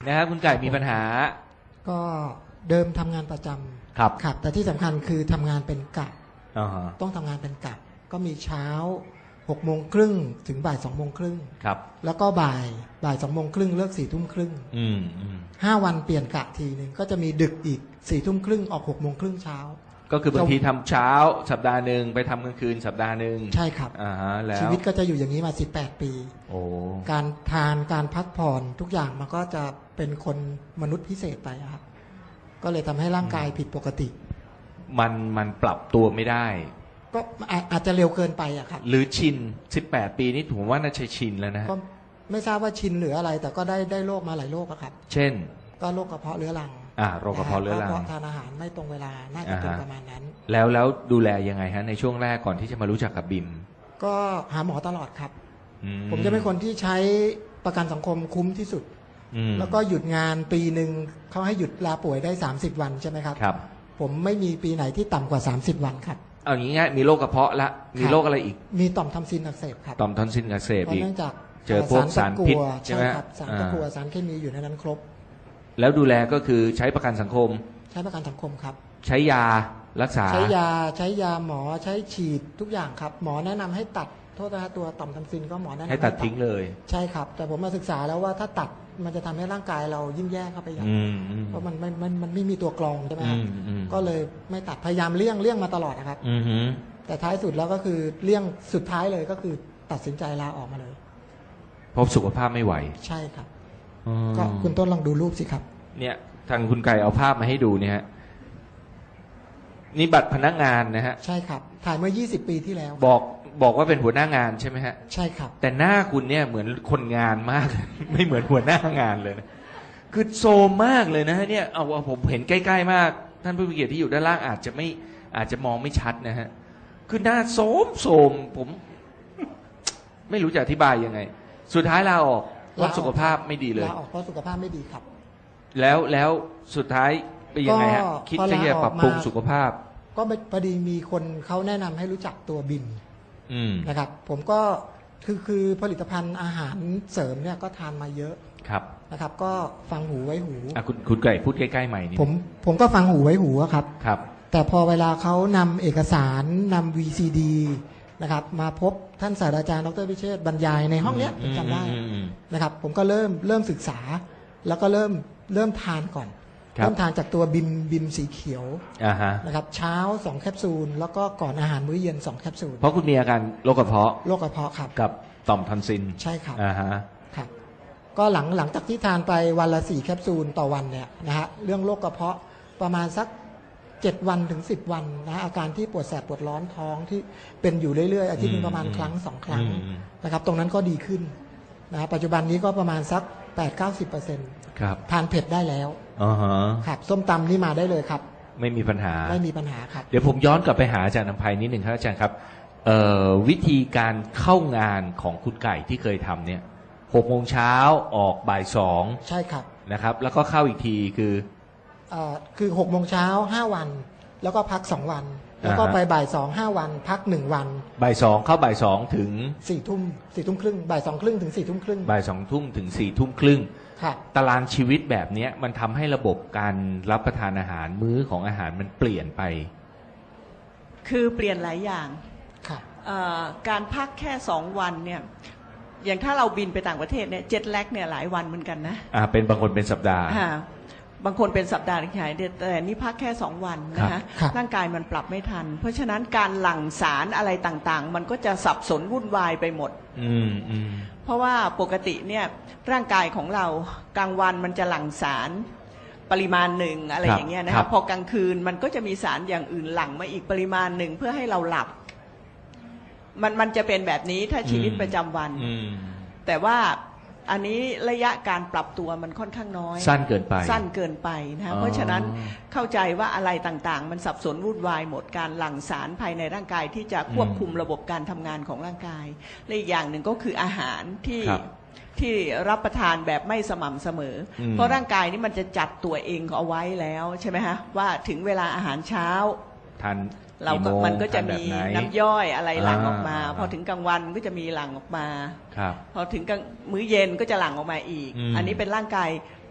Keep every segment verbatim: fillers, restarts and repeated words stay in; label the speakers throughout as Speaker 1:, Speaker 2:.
Speaker 1: นะครับคุณไก่มีปัญหา
Speaker 2: ก็เดิมทำงานประจำ
Speaker 1: ครับ
Speaker 2: ครับแต่ที่สำคัญคือทำงานเป็นกะ
Speaker 1: uh-huh.
Speaker 2: ต้องทำงานเป็นกะก็มีเช้าหกโมงครึ่งถึงบ่ายสองโมงครึ่ง
Speaker 1: ครับ
Speaker 2: แล้วก็บ่ายบ่ายสองโมงครึ่งเลิกสี่ทุ่มครึ่ง
Speaker 1: อืมอืม
Speaker 2: ห้าวันเปลี่ยนกะทีหนึ่งก็จะมีดึกอีกสี่ทุ่มครึ่งออกหกโมงครึ่งเช้า
Speaker 1: ก็คือบางทีทำเช้าสัปดาห์หนึ่งไปทำกลางคืนสัปดาห์หนึ่ง
Speaker 2: ใช่ครับ
Speaker 1: อ่าฮะแล้ว
Speaker 2: ชีวิตก็จะอยู่อย่างนี้มาสิบแปดปี
Speaker 1: โอ้
Speaker 2: การทานการพักผ่อนทุกอย่างมันก็จะเป็นคนมนุษย์พิเศษไปครับก็เลยทำให้ร่างกายผิดปกติ
Speaker 1: มันมันปรับตัวไม่ได้
Speaker 2: ก็อาจจะเร็วเกินไปอะครับ
Speaker 1: หรือชินสิบแปดปีนี่ผมว่าน่าจะชินแล้วนะ
Speaker 2: ก็ไม่ทราบว่าชินหรืออะไรแต่ก็ได้ได้โรคมาหลายโรคครับ
Speaker 1: เช่น
Speaker 2: ก็โรคกระเพาะเรื้อรัง
Speaker 1: อ่าโรคกระเพาะเรื้อรัง
Speaker 2: เพราะทานอาหารไม่ตรงเวลาน่าจะเป็นประมาณนั้น
Speaker 1: แล้วแล้วดูแลยังไงฮะในช่วงแรกก่อนที่จะมารู้จักกับบิม
Speaker 2: ก็หาหมอตลอดครับผมจะเป็นคนที่ใช้ประกันสังคมคุ้มที่สุดแล้วก็หยุดงานปีหนึ่งเขาให้หยุดลาป่วยได้สามสิบวันใช่ไหมครับ
Speaker 1: ครับ
Speaker 2: ผมไม่มีปีไหนที่ต่ำกว่าสามสิบวันครับ
Speaker 1: เอาอย่างงี้ง่ายมีโรคกระเพาะละมีโรคอะไรอีก
Speaker 2: มีต่อมทอนซิลอักเสบครับ
Speaker 1: ต่อมทอนซิลอักเสบอีก
Speaker 2: เนื่องจาก
Speaker 1: เจอพวกสารพิษใช่ไหม
Speaker 2: ครับสารตะกั่วสารเคมีอยู่ในนั้นครบ
Speaker 1: แล้วดูแลก็คือใช้ประกันสังคม
Speaker 2: ใช้ประกันสังคมครับ
Speaker 1: ใช้ยารักษา
Speaker 2: ใช้ยาใช้ยาหมอใช้ฉีดทุกอย่างครับหมอแนะนำให้ตัดโทษนะตัวต่อมทอนซิลก็หมอแนะนำ
Speaker 1: ให้ตัดทิ้งเลย
Speaker 2: ใช่ครับแต่ผมมาศึกษาแล้วว่าถ้าตัดมันจะทำให้ร่างกายเรายิ่งแย่เข้าไปอย่างเพราะมันมันมันมันไม่มีตัวกรองใช่ไหมครับก็เลยไม่ตัดพยายามเลี่ยงเลี่ยงมาตลอดนะครับแต่ท้ายสุดแล้วก็คือเลี่ยงสุดท้ายเลยก็คือตัดสินใจลาออกมาเลย
Speaker 1: เพราะสุขภาพไม่ไหว
Speaker 2: ใช่ครับก็คุณต้นลองดูรูปสิครับ
Speaker 1: เนี่ยทางคุณไก่เอาภาพมาให้ดูเนี่ยฮะนี่บัตรพนักงานนะฮะ
Speaker 2: ใช่ครับถ่ายเมื่อยี่สิบปีที่แล้ว
Speaker 1: บอกบอกว่าเป็นหัวหน้างานใช่ไหมฮะ
Speaker 2: ใช่ครับ
Speaker 1: แต่หน้าคุณเนี่ยเหมือนคนงานมาก ไม่เหมือนหัวหน้างานเลยนะคือโซมมากเลยนะฮะเนี่ยเอาว่าผมเห็นใกล้ๆมากท่านผู้มีเกียรติที่อยู่ด้านล่างอาจจะไม่อาจจะมองไม่ชัดนะฮะคือหน้าโซมโซมผมไม่รู้จะอธิบายยังไงสุดท้ายลาออกเพราะสุขภาพไม่ดีเลย
Speaker 2: ลาออกเพราะสุขภาพไม่ดีครับ
Speaker 1: แล้วแล้วสุดท้ายเป็นยังไงฮะคิดจะจะปรับปรุงสุขภาพ
Speaker 2: ก็พอดีมีคนเขาแนะนำให้รู้จักตัวบิมนะครับผมก็คือคือผลิตภัณฑ์อาหารเสริมเนี่ยก็ทานมาเยอะ
Speaker 1: ครับ
Speaker 2: นะครับก็ฟังหูไว้หู
Speaker 1: อ่ะคุณคุณไก่พูดใกล้ๆใหม่นี่
Speaker 2: ผมผมก็ฟังหูไว้หูครับ
Speaker 1: ครับ
Speaker 2: แต่พอเวลาเขานำเอกสารนำ วี ซี ดี นะครับมาพบท่านศาสตราจารย์ดร.พิเชษฐ์บรรยายในห้องเนี้ยจำได้นะครับผมก็เริ่มเริ่มศึกษาแล้วก็เริ่มเริ่มทานก่อนเริ่มทานจากตัวบิมบิมสีเขียวนะครับเช้าสองแคปซูลแล้วก็ก่อนอาหารมื้อเย็นสองแคปซูล
Speaker 1: เพราะคุณมีอาการโรคกระเพาะ
Speaker 2: โรคกระเพาะครับ
Speaker 1: กับต่อมทอนซิล
Speaker 2: ใช่ครับ
Speaker 1: อ่าฮะ
Speaker 2: ครับก็หลังหลังจากที่ทานไปวันละสี่แคปซูลต่อวันเนี่ยนะฮะเรื่องโรคกระเพาะประมาณสักเจ็ดวันถึงสิบวันนะอาการที่ปวดแสบปวดร้อนท้องที่เป็นอยู่เรื่อยๆอาทิตย์นึงประมาณครั้งสองครั้งนะครับตรงนั้นก็ดีขึ้นนะปัจจุบันนี้ก็ประมาณสัก แปดถึงเก้าสิบเปอร์เซ็นต์
Speaker 1: ครับ
Speaker 2: ทานเผ็ดได้แล้ว
Speaker 1: อ๋อฮะ
Speaker 2: ครับส้มตำนี่มาได้เลยครับ
Speaker 1: ไม่มีปัญหา
Speaker 2: ไม่มีปัญหาครับ
Speaker 1: เดี๋ยวผมย้อนกลับไปหาอาจารย์อภัยนิดหนึ่งครับอาจารย์ครับวิธีการเข้างานของคุณไก่ที่เคยทำเนี่ยหกโมงเช้าออกบ่ายสอง
Speaker 2: ใช่ครับ
Speaker 1: นะครับแล้วก็เข้าอีกทีคือ
Speaker 2: เอ่อคือหกโมงเช้าห้าวันแล้วก็พักสองวันแล้วก็ไปบ่ายสองห้าวันพักหนึ่งวัน
Speaker 1: บ่ายสองเข้าบ่ายสองถึง
Speaker 2: สี่ทุ่มสี่ทุ่มครึ่งบ่ายสองครึ่งถึงสี่ทุ่มครึ่ง
Speaker 1: บ่ายสองทุ่มถึงสี่ทุ่มครึ่ง
Speaker 2: ครับ
Speaker 1: ตารางชีวิตแบบนี้มันทำให้ระบบการรับประทานอาหารมื้อของอาหารมันเปลี่ยนไป
Speaker 3: คือเปลี่ยนหลายอย่าง
Speaker 2: ครับ
Speaker 3: การพักแค่สองวันเนี่ยอย่างถ้าเราบินไปต่างประเทศเนี่ยเจ็ตแลกเนี่ยหลายวันเหมือนกันนะ
Speaker 1: อ่าเป็นบางคนเป็นสัปดาห์
Speaker 3: บางคนเป็นสัปดาห์หายแต่นี่พักแค่สองวันนะคะร่างกายมันปรับไม่ทันเพราะฉะนั้นการหลั่งสารอะไรต่างๆมันก็จะสับสนวุ่นวายไปหมดเพราะว่าปกติเนี่ยร่างกายของเรากลางวันมันจะหลั่งสารปริมาณหนึ่งอะไรอย่างเงี้ยนะคะพอกลางคืนมันก็จะมีสารอย่างอื่นหลั่งมาอีกปริมาณหนึ่งเพื่อให้เราหลับมันมันจะเป็นแบบนี้ถ้าชีวิตประจำวันแต่ว่าอันนี้ระยะการปรับตัวมันค่อนข้างน้อย
Speaker 1: สั้นเกินไป
Speaker 3: สั้นเกินไปนะเพราะฉะนั้นเข้าใจว่าอะไรต่างๆมันสับสนวุ่นวายหมดการหลั่งสารภายในร่างกายที่จะควบคุมระบบการทำงานของร่างกายและอีกอย่างหนึ่งก็คืออาหารที่ที่รับประทานแบบไม่สม่ำเสมอเพราะร่างกายนี้มันจะจัดตัวเองเอาไว้แล้วใช่ไหมฮะว่าถึงเวลาอาหารเช้า
Speaker 1: ทาน
Speaker 3: เราก็มันก็จะมีน้ำย่อยอะไรหลั่งออกมาพอถึงกลางวันก็จะมีหลั่งออกมาพอถึงมื้อเย็นก็จะหลั่งออกมาอีกอันนี้เป็นร่างกาย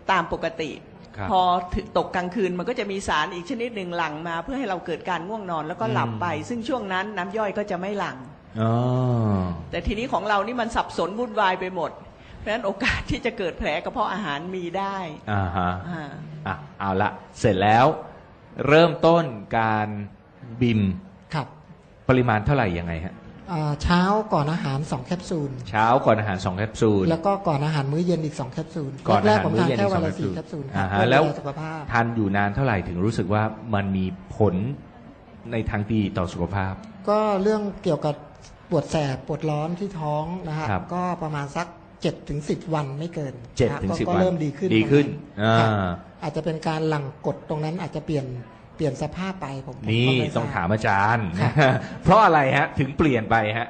Speaker 3: ตามปกติ
Speaker 1: ครับ
Speaker 3: พอถึงตกกลางคืนมันก็จะมีสารอีกชนิดหนึ่งหลั่งมาเพื่อให้เราเกิดการง่วงนอนแล้วก็หลับไป ซึ่งช่วงนั้นน้ำย่อยก็จะไม่หลั่ง
Speaker 1: อ๋อ
Speaker 3: แต่ทีนี้ของเรานี่มันสับสนวุ่นวายไปหมดเพราะฉะนั้นโอกาสที่จะเกิดแผลกระเพาะอาหารมีได้
Speaker 1: อ่าฮะ
Speaker 3: อ่า
Speaker 1: อ่ะเอาละเสร็จแล้วเริ่มต้นการบิม
Speaker 2: ครับ
Speaker 1: ปริมาณเท่าไหร่ยังไงฮะ
Speaker 2: อ่าเช้าก่อนอาหารสองแคปซูล
Speaker 1: เช้าก่อนอาหารสองแคปซูล
Speaker 2: แล้วก็ก่อนอาหารมื้อเย็นอีกสองแคปซูล
Speaker 1: ก่อนอา
Speaker 2: แรก
Speaker 1: หาร
Speaker 2: ๆผม
Speaker 1: มื้อ
Speaker 2: ทาน
Speaker 1: เย็น
Speaker 2: แค่
Speaker 1: อีก
Speaker 2: วั
Speaker 1: ส
Speaker 2: น
Speaker 1: อง
Speaker 2: ละ
Speaker 1: แคปซู
Speaker 2: สี่
Speaker 1: ล
Speaker 2: แคปซูลค
Speaker 1: อ่า
Speaker 2: รับ
Speaker 1: ฮะ
Speaker 2: เพื่อ
Speaker 1: แล้ว
Speaker 2: ดูแลสุขภาพ
Speaker 1: ทานอยู่นานเท่าไหร่ถึงรู้สึกว่ามันมีผลในทางดีต่อสุขภาพ
Speaker 2: ก็เรื่องเกี่ยวกับปวดแสบปวดร้อนที่ท้องนะฮะ
Speaker 1: ครับ
Speaker 2: ก็ประมาณสักเจ็ดถึงสิบวันไม่เกิน
Speaker 1: เจ็ด
Speaker 2: นะฮะ
Speaker 1: ถึงสิบ
Speaker 2: ก็
Speaker 1: วัน
Speaker 2: เริ่มดีขึ้น
Speaker 1: ดีขึ้น
Speaker 2: ตรงครับ
Speaker 1: อ่า
Speaker 2: อาจจะเป็นการหลั่งกดตรงนั้นอาจจะเปลี่ยนเปลี่ยนสภาพไปผมผม
Speaker 1: นี่
Speaker 2: ก็ไทรบ
Speaker 1: ต้องถามอาจารย์
Speaker 2: ครับ
Speaker 1: เพราะอะไรฮะ ถึงเปลี่ยนไปฮะ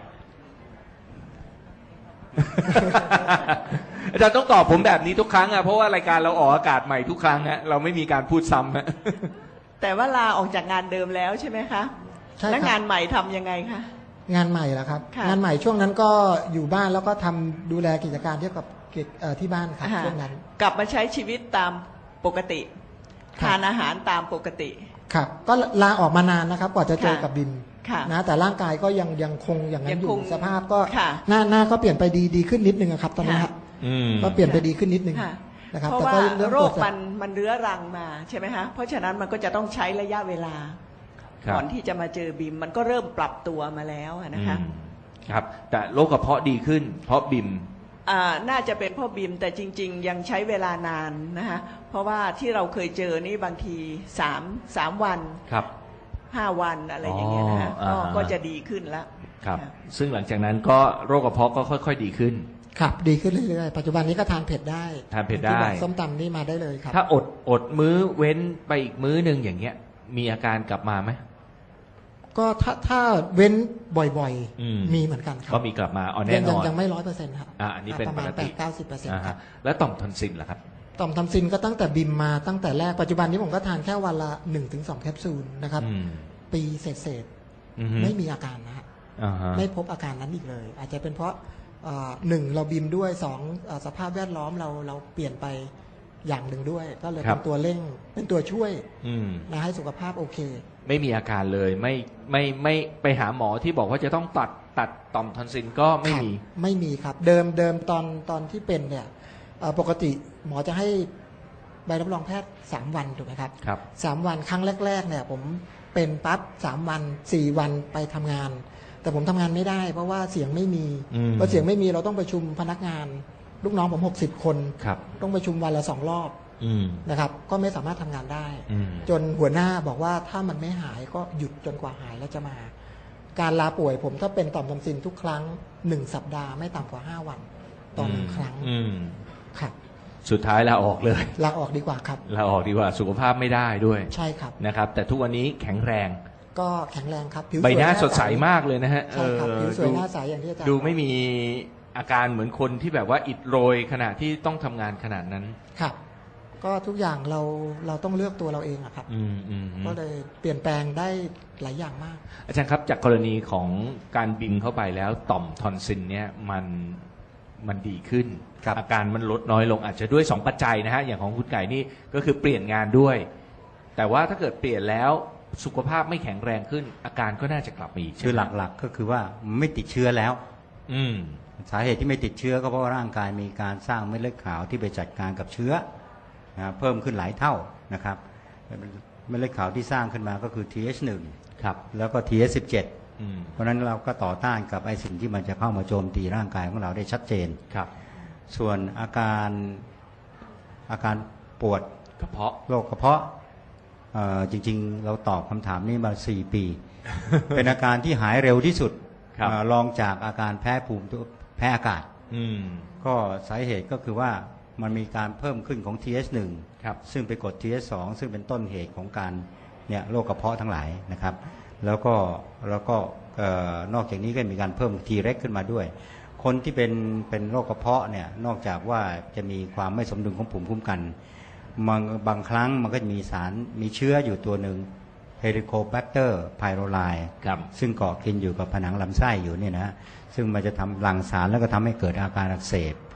Speaker 1: อาจารย์ต้องตอบผมแบบนี้ทุกครั้งอ่ะเพราะว่ารายการเราออกอากาศใหม่ทุกครั้งฮะเราไม่มีการพูดซ้ำฮะ
Speaker 3: แต่ว่าลาออกจากงานเดิมแล้วใช่ไหมคะ
Speaker 2: ใช่
Speaker 3: แล้ว
Speaker 2: ค
Speaker 3: งา
Speaker 2: รับ
Speaker 3: นใหม่ทำยังไงคะ
Speaker 2: งานใหม่แล้วครับ
Speaker 3: ค่ะ
Speaker 2: งานใหม่ช่วงนั้นก็อยู่บ้านแล้วก็ทำดูแลกิจการเกี่ยวกับกิจเอ่อที่บ้านครับ
Speaker 3: อ่า
Speaker 2: ช่วงนั้น
Speaker 3: กลับมาใช้ชีวิตตามปกติ
Speaker 2: ครับ
Speaker 3: ทานอาหารตามปกติ
Speaker 2: ครับก็ลาออกมานานนะครับกว่าจะเจอ
Speaker 3: ค่ะ
Speaker 2: กับบิม
Speaker 3: ค่ะ
Speaker 2: นะแต่ร่างกายก็ยังยังคงอย่างนั้
Speaker 3: ยั
Speaker 2: น
Speaker 3: ง
Speaker 2: อยู่
Speaker 3: คง
Speaker 2: สภาพก็
Speaker 3: ค่ะ
Speaker 2: หน้าหน้าก็เปลี่ยนไปดีดีขึ้นนิดนึงอะครับตอนนี้
Speaker 3: ค่ะ
Speaker 2: ฮะ
Speaker 1: อืม
Speaker 2: ก็เปลี่ยนไปดีขึ้นนิดนึง
Speaker 3: ค่ะ
Speaker 2: นะครับ
Speaker 3: เพราะ
Speaker 2: แต่
Speaker 3: ว่า
Speaker 2: ก็เรื่อง
Speaker 3: โร
Speaker 2: ปว
Speaker 3: ค
Speaker 2: ดแส
Speaker 3: มั
Speaker 2: บ
Speaker 3: นมันเรื้อรังมาใช่ไหมคะเพราะฉะนั้นมันก็จะต้องใช้ระยะเวลา
Speaker 1: ครับ
Speaker 3: ก่อนที่จะมาเจอบิมมันก็เริ่มปรับตัวมาแล้วอะนะคะ
Speaker 1: อืมครับ แต่โรคกระเพาะดีขึ้น เพราะบิม
Speaker 3: อ่าน่าจะเป็นเพ่อบิมแต่จริง ๆ ยังใช้เวลานานนะคะเพราะว่าที่เราเคยเจอนี่บางทีสามสามวัน
Speaker 1: ครับ
Speaker 3: ห้าวันอะไรอย่างเงี้ยนะคะ
Speaker 1: อ๋อ
Speaker 3: ก็
Speaker 1: อ่า
Speaker 3: ก็จะดีขึ้นแล้ว
Speaker 1: ครับ
Speaker 3: ค่ะ
Speaker 1: ซึ่งหลังจากนั้นก็โรคกระเพาะก็ค่อย ๆ ดีขึ้น
Speaker 2: ครับดีขึ้นเรื่อยๆปัจจุบันนี้ก็ทานเผ็ดได้
Speaker 1: ทานเผ็ดได้
Speaker 2: ที่บอกส้มตำนี่มาได้เลยครับ
Speaker 1: ถ้าอดอดมื้อเว้นไปอีกมื้อหนึ่งอย่างเงี้ย มีอาการกลับมาไหม
Speaker 2: ก็ถ้าถ้าเว้นบ่อย
Speaker 1: อืม
Speaker 2: ๆ มีเหมือนกันครับ
Speaker 1: ก็มีกลับมาอ๋อแน่
Speaker 2: ยัง
Speaker 1: น
Speaker 2: ยัง
Speaker 1: อน
Speaker 2: ยังไม่ร้อยเปอร์เซ็นต์ครับ
Speaker 1: อ่าอันนี้เป็น
Speaker 2: ประมาณ
Speaker 1: ปก
Speaker 2: แป
Speaker 1: ติ
Speaker 2: ดเก้าสิบเปอร์เซ็นต์
Speaker 1: อ่า
Speaker 2: ครั
Speaker 1: ฮะ
Speaker 2: บ
Speaker 1: แล้วต่อมทอนซิลล่ะครับ
Speaker 2: ต่อมทำซินก็ตั้งแต่บิมมาตั้งแต่แรกปัจจุบันนี้ผมก็ทานแค่วันละหนึ่งถึงสองแคปซูลนะครับ
Speaker 1: อืม
Speaker 2: ปีเศษ
Speaker 1: อือฮึ
Speaker 2: ๆไม่มีอาการนะฮะ
Speaker 1: อ่าฮะ
Speaker 2: ไม่พบอาการนั้นอีกเลย อาจจะเป็นเพราะเอ่อหนึ่งเราบิมด้วยสองเอ่อสภาพแวดล้อมเราเราเปลี่ยนไปอย่างหนึ่งด้วย ก็เลยเป็นตัวเร่งเป็นตัวช่วย
Speaker 1: อืม
Speaker 2: นะให้สุขภาพโอเค
Speaker 1: ไม่มีอาการเลยไม่ไม่ไม่ไปหาหมอที่บอกว่าจะต้องตัดตัดต่อมทอนซิลก็ไม่มี
Speaker 2: ครับไม่มีครับ เดิมเดิมตอนตอนที่เป็นเนี่ยเอ่อปกติหมอจะให้ใบรับรองแพทย์สามวันถูกไหมครับ
Speaker 1: ครับ
Speaker 2: สามวันครั้งแรกๆเนี่ยผมเป็นปั๊บสามวันสี่วันไปทำงาน แต่ผมทำงานไม่ได้ เพราะว่าเสียงไม่มี
Speaker 1: อืม
Speaker 2: พอเสียงไม่มีเราต้องประชุมพนักงาน ลูกน้องผมหกสิบคน
Speaker 1: ครับ
Speaker 2: ต้องประชุมวันละสองรอบ
Speaker 1: อืม
Speaker 2: นะครับ ก็ไม่สามารถทำงานได้
Speaker 1: อืม
Speaker 2: จนหัวหน้าบอกว่าถ้ามันไม่หายก็หยุดจนกว่าหายแล้วจะมา การลาป่วยผมถ้าเป็นต่อมทอนซิลทุกครั้งหนึ่งสัปดาห์ไม่ต่ำกว่าห้าวันต่อหนึ่งครั้ง
Speaker 1: อืม
Speaker 2: ครับ
Speaker 1: สุดท้ายลาออกเลย
Speaker 2: ลาออกดีกว่าครับ
Speaker 1: ลาออกดีกว่าสุขภาพไม่ได้ด้วย
Speaker 2: ใช่ครับ
Speaker 1: นะครับ แต่ทุกวันนี้แข็งแรง
Speaker 2: ก็แข็งแรงครับผิว
Speaker 1: ใบหน้า
Speaker 2: วย
Speaker 1: สดใสมากเลยนะฮะ
Speaker 2: ใช่ครับ
Speaker 1: เออ
Speaker 2: ผิวสวย
Speaker 1: ดู
Speaker 2: หน้าใสอย่างที่อาจารย์
Speaker 1: ดู
Speaker 2: บอก
Speaker 1: ไม่มีอาการเหมือนคนที่แบบว่าอิดโรยขณะที่ต้องทำงานขนาดนั้น
Speaker 2: ครับ ก็ทุกอย่างเราเราต้องเลือกตัวเราเองอะครับ
Speaker 1: อืมอืม
Speaker 2: ก็เลยเปลี่ยนแปลงได้หลายอย่างมาก
Speaker 1: อาจารย์ครับจากกรณีของการบินเข้าไปแล้วต่อมทอนซิลเนี่ยมันมันดีขึ้น
Speaker 4: ครับ
Speaker 1: อาการมันลดน้อยลงอาจจะด้วยสองปัจจัยนะฮะอย่างของคุณไก่นี่ก็คือเปลี่ยนงานด้วย แต่ว่าถ้าเกิดเปลี่ยนแล้วสุขภาพไม่แข็งแรงขึ้น อาการก็น่าจะกลับมาอีก
Speaker 4: คือ
Speaker 1: ใช่ไม
Speaker 4: หลักๆก็คือว่าไม่ติดเชื้อแล้ว
Speaker 1: อืม
Speaker 4: สาเหตุที่ไม่ติดเชื้อก็เพราะว่าร่างกายมีการสร้างเม็ดเลือดขาวที่ไปจัดการกับเชื้อนะเพิ่มขึ้นหลายเท่านะครับเม็ดเลือดขาวที่สร้างขึ้นมาก็คือ ที เอช หนึ่ง
Speaker 1: ครับ
Speaker 4: แล้วก็ ที เอช สิบเจ็ด
Speaker 1: อืม
Speaker 4: เพราะฉะนั้นเราก็ต่อต้านกับไอสิ่งที่มันจะเข้ามาโจมตีร่างกายของเราได้ชัดเจน
Speaker 1: ครับ
Speaker 4: ส่วนอาการอาการปวด
Speaker 1: กระเพาะ
Speaker 4: โรคกระเพาะเอ่อจริงๆ เราตอบคำถามนี้มาสี่ปี เป็นอาการที่หายเร็วที่สุด
Speaker 1: ครับ
Speaker 4: เอ่อรองจากอาการแพ้ภูมิตัวแพ้อากาศ
Speaker 1: อืม
Speaker 4: ก็สาเหตุก็คือว่ามันมีการเพิ่มขึ้นของ ที เอช หนึ่ง
Speaker 1: ครับ
Speaker 4: ซึ่งไปกด ที เอช สอง ซึ่งเป็นต้นเหตุของการเนี่ยโรคกระเพาะทั้งหลายนะครับ แล้วก็แล้วก็เอ่อนอกจากนี้ก็มีการเพิ่ม T เร็กขึ้นมาด้วย คนที่เป็นเป็นโรคกระเพาะเนี่ยนอกจากว่าจะมีความไม่สมดุลของภูมิคุ้มกันบางบางครั้งมันก็จะมีสารมีเชื้ออยู่ตัวหนึ่ง Helicobacter pylori
Speaker 1: ครับ
Speaker 4: ซึ่งเกาะกินอยู่กับผนังลำไส้อยู่เนี่ยนะซึ่งมันจะทำหลั่งสารแล้วก็ทำให้เกิดอาการอักเสบ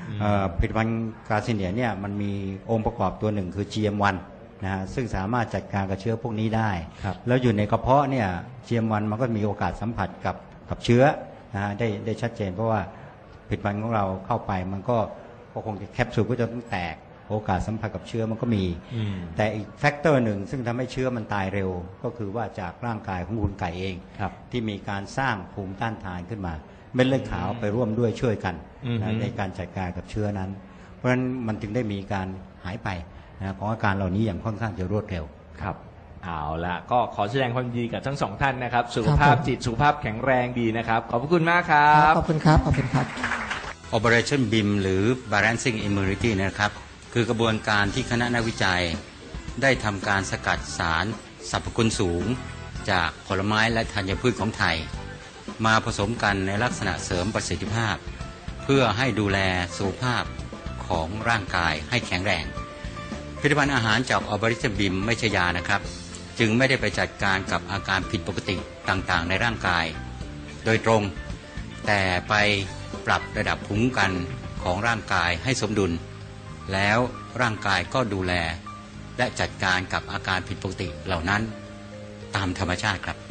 Speaker 4: ผลิตภัณฑ์กาซิเนียเนี่ยมันมีองค์ประกอบตัวหนึ่งคือ จี เอ็ม วัน นะฮะซึ่งสามารถจัดการกับเชื้อพวกนี้ได้แล้วอยู่ในกระเพาะเนี่ย จี เอ็ม วัน มันก็มีโอกาสสัมผัสกับกับเชื้อนะฮะได้ได้ชัดเจนเพราะว่าผลิตภัณฑ์ของเราเข้าไปมันก็ก็คงจะแคปซูลก็จะต้องแตกโอกาสสัมผัสกับเชื้อมันก็มีแต่อีกแฟกเตอร์หนึ่งซึ่งทำให้เชื้อมันตายเร็วก็คือว่าจากร่างกายของคุณไก่เองที่มีการสร้างภูมิต้านทานขึ้นมาเม็ดเลือดขาวไปร่วมด้วยช่วยกันนะในการจัดการกับเชื้อนั้นเพราะฉะนั้นมันจึงได้มีการหายไปนะของอาการเหล่านี้อย่างค่อนข้างจะรวดเร็ว
Speaker 1: ครับเอาละก็ขอแสดงความยินดีกับทั้งสองท่านนะครับสุขภาพจิตสุขภาพแข็งแรงดีนะครับขอบคุณมากครับ
Speaker 2: ขอบคุณครับขอบคุณครับ
Speaker 4: Operation บี เอ็ม หรือ Balancing Immunity นะครับคือกระบวนการที่คณะนักวิจัยได้ทำการสกัดสารสรรพคุณสูงจากผลไม้และธัญพืชของไทยมาผสมกันในลักษณะเสริมประสิทธิภาพเพื่อให้ดูแลสุขภาพของร่างกายให้แข็งแรงผลิตภัณฑ์อาหารจาก Operation บี เอ็ม ไม่ใช่ยานะครับจึงไม่ได้ไปจัดการกับอาการผิดปกติต่างๆในร่างกายโดยตรงแต่ไปปรับระดับภูมิคุ้มกันของร่างกายให้สมดุลแล้วร่างกายก็ดูแลและจัดการกับอาการผิดปกติเหล่านั้นตามธรรมชาติครับ